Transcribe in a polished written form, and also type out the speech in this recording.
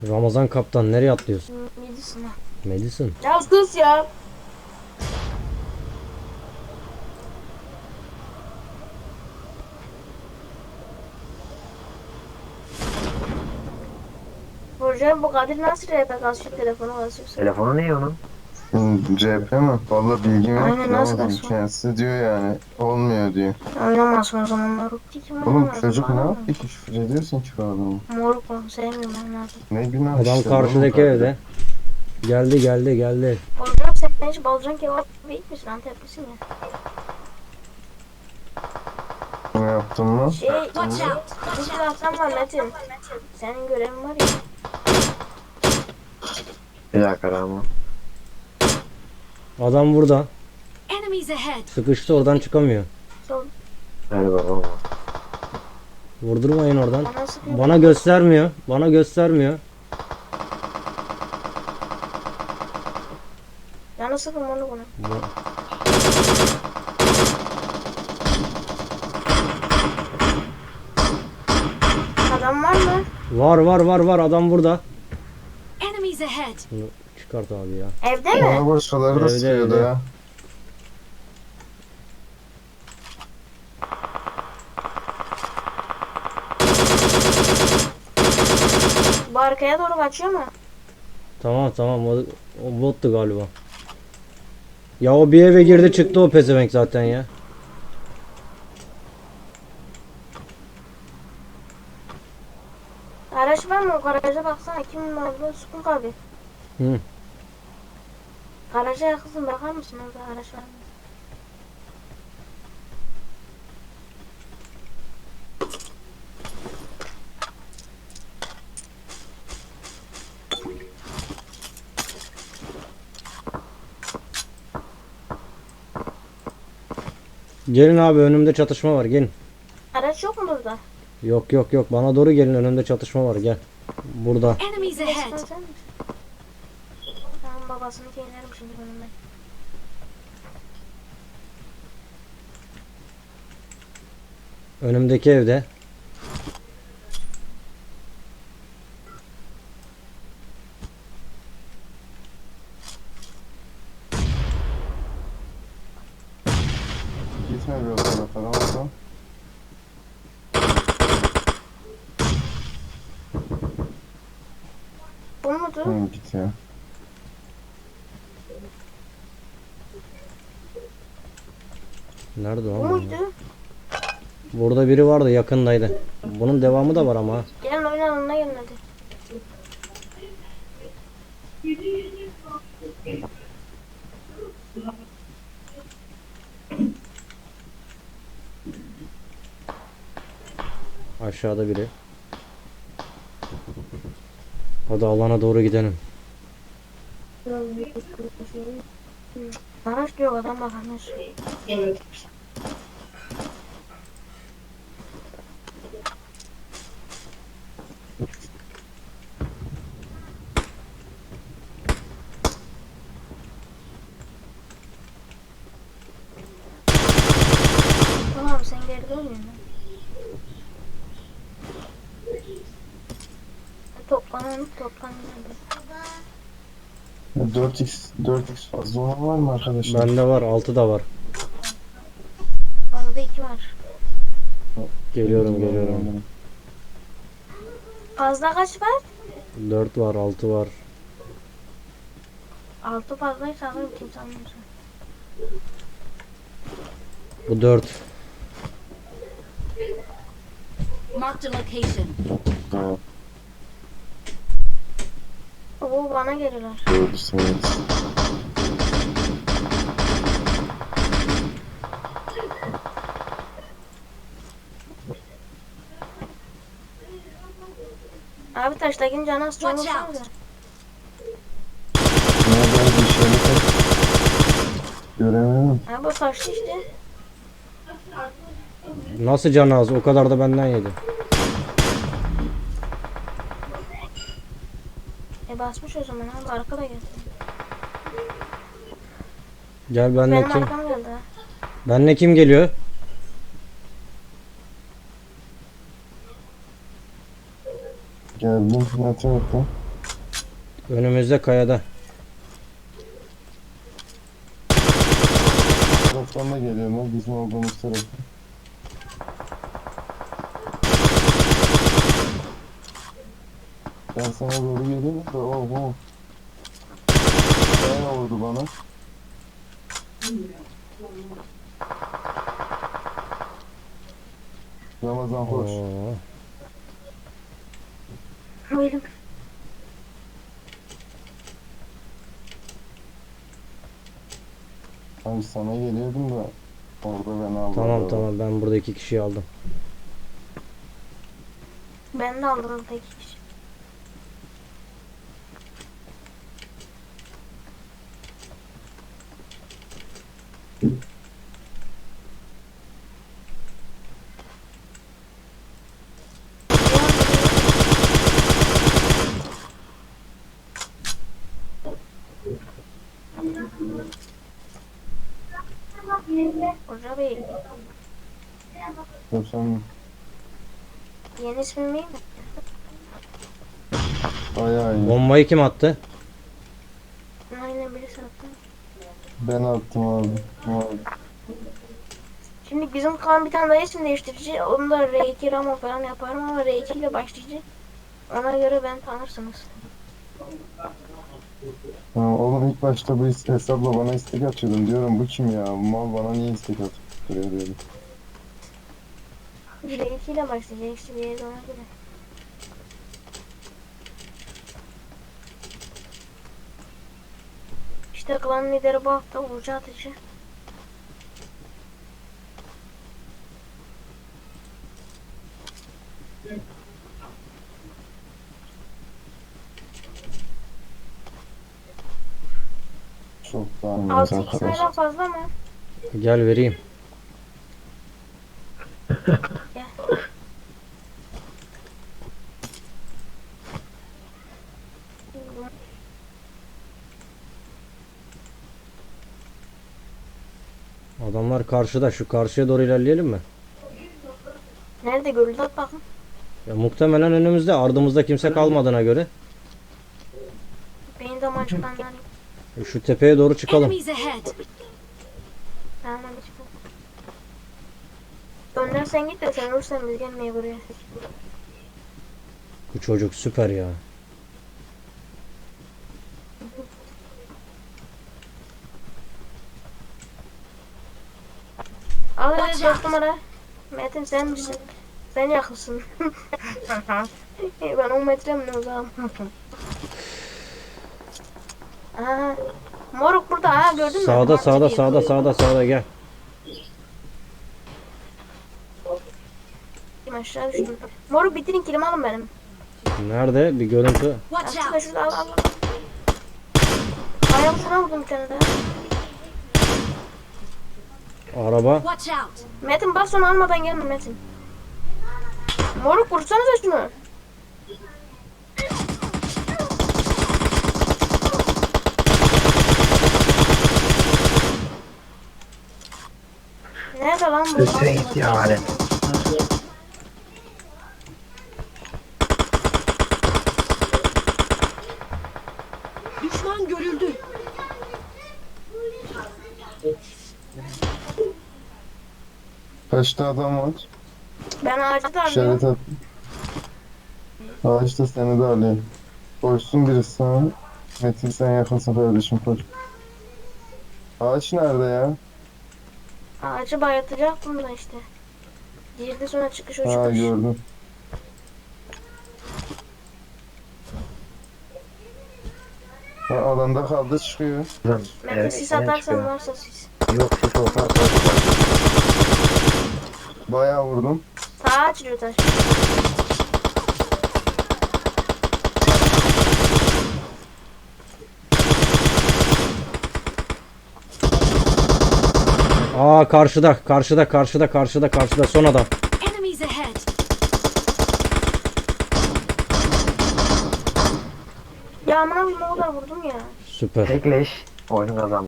Ramazan kaptan nereye atlıyorsun? Yedisine. Madison. Ya sus ya. Hocam bu Kadir nasıl rap kasıyor telefonu kasıyorsun? Telefonu ne onun? CHP mi? Valla bilgim yok Aynen, ki nasıl ama kasıyor? kendisi diyor yani olmuyor diyor. Oynamazsın o zaman moruk. Kim Oğlum oynamaz? çocuk ne Bana mı? yaptı ki küfür ediyorsun ki bu adamı? Moruk mu? Sevmiyorum ben lazım. Ne günah Adam işte, karşıdaki oğlum, evde. Geldi. Hocam sen hiç Balcan kebap yiyip misin? Anteplisin ya. Ne yaptın mı? Bu silahtan var Metin. Senin görevin var ya. Bir dakika Ramo. Adam burada. Enemies ahead. Sıkıştı, oradan çıkamıyor. Sol. Hadi bakalım. Vurdurmayın oradan. Bana sıkıyor. Bana göstermiyor. Canı sıkın onu bunu. Adam var mı? Var adam burada. Enemies ahead. Bunu çıkart abi ya. Evde mi? Bana borçluları da Evde, sıkıyordu evde. ya. Bu arkaya doğru kaçıyor mu? Tamam o bottu galiba. Ya o bir eve girdi çıktı o pezevenk zaten ya. Araç var mı? O garaja baksana. Kimin olduğunu Sukun abi. Hı. Garaja yakınsın, bakar mısın orada araç var mı? Gelin abi, önümde çatışma var, gelin. Araç yok mu burada? Yok bana doğru gelin, önümde çatışma var, gel. Burada. Enemies Resmen ahead. sen misin? Tamam, babasını inerim şimdi önümden. Önümdeki evde. Gitme bir o tarafa Ramazan. Bu mudur? Hı, git ya. Nerede Bu o? muydu? Burada biri vardı, yakındaydı. Bunun devamı da var ama. Gelin oynayalım, gelin hadi. Aşağıda biri. Hadi alana doğru gidelim. Araç diyor, adam bakamıyor. Tamam, sen geride oynuyorsun. Toplanın hadi. 4x fazla olan var mı arkadaşlar? Bende var, 6 da var. Onda 2 var. Geliyorum. Fazla kaç var? 4 var, 6 var. 6 fazlaysa alırım, kimse almıyorsa. Bu 4. Marked a location. Ha, Oo, bana gelirler. doğru söylüyorsun. Abi taştakin canı az çok Watch out. olsanıza. Nerede bir şey mi? Göremedim. Abi o taştı işte. Nasıl canı az? O kadar da benden yedi. Basmış o zaman abi, arkada geldi. Gel benle Benim kim? arkam geldi ha. Benle kim geliyor? Geldim. Ne tarafta? Önümüzde kayada. Taraftan da geliyorlar bizim olduğumuz taraf. Ben sana doğru geliyorum da oho. Bayağı vurdu bana. Ramazan hoş. Oo. Buyurun. Abi sana geliyordum da orada beni aldı. Tamam ben burada 2 kişiyi aldım. Ben de aldım tek kişi. Hoca Bey, Yok sen yeni ismim neydi? bayağı iyi. Bombayı kim attı? Aynen birisi attı. Ben attım abi. Abi. Şimdi bizim kan bir tane daha isim değiştirici. Onu da R2 Ramo falan yaparım ama R2 ile başlayıcı. Ona göre ben tanırsınız. Ha, oğlum ilk başta bu hesapla bana istek atıyordum. Diyorum bu kim ya? Bu mal bana niye istek atıp duruyor diyordum. R2 ile başlayacak işte bir yere ona göre. İşte klan lideri bu hafta Uğurcu Atıcı. Çok daha iyi 6 arkadaş. sayıdan fazla mı? Gel vereyim. Gel. Adamlar karşıda. Şu karşıya doğru ilerleyelim mi? Nerede görüldü at bakın. Ya muhtemelen önümüzde. Ardımızda kimse kalmadığına göre. Benim de maçtan yani. Şu tepeye doğru çıkalım. Enemies ahead. Ben de çıkalım. Önden sen git de sen olursan biz gelmeye buraya. Bu çocuk süper ya. Al hadi 4 numara. Metin sen misin? Sen yakınsın. Ben 10 metre mi ne uzağım? Aha. Moruk burada ha gördün mü? Sağda gel. Aşağı düştüm. Moruk bitirin kilimi alın benim. Nerede? Bir görüntü. Watch Şurada out. şurada al. Ayağımsına vurdum bir tane daha. Araba. Watch out. Metin bas onu almadan gelme Metin. Moruk vursanıza şunu. Nerede lan bu? Üstüne gitti ya hadi. Düşman görüldü. Kaçta adam var? Ben ağacı da İşaret arıyorum. at. Ağaçta seni de alıyor. Koşsun birisi sana. Metin sen yakınsın kardeşim koş. Ağaç nerede ya? Ağacı bayatacaktım da işte. Girdi sonra çıkış o Ha çıkış. gördüm. Ha, alanda kaldı çıkıyor. Metin sis atarsan varsa sis. Yok ses olsa Bayağı vurdum. Sağa açılıyor taş. Aa karşıda son adam. Enemies ahead. Ya amına koyayım o kadar vurdum ya. Süper. tekleş. Oyunu kazandı.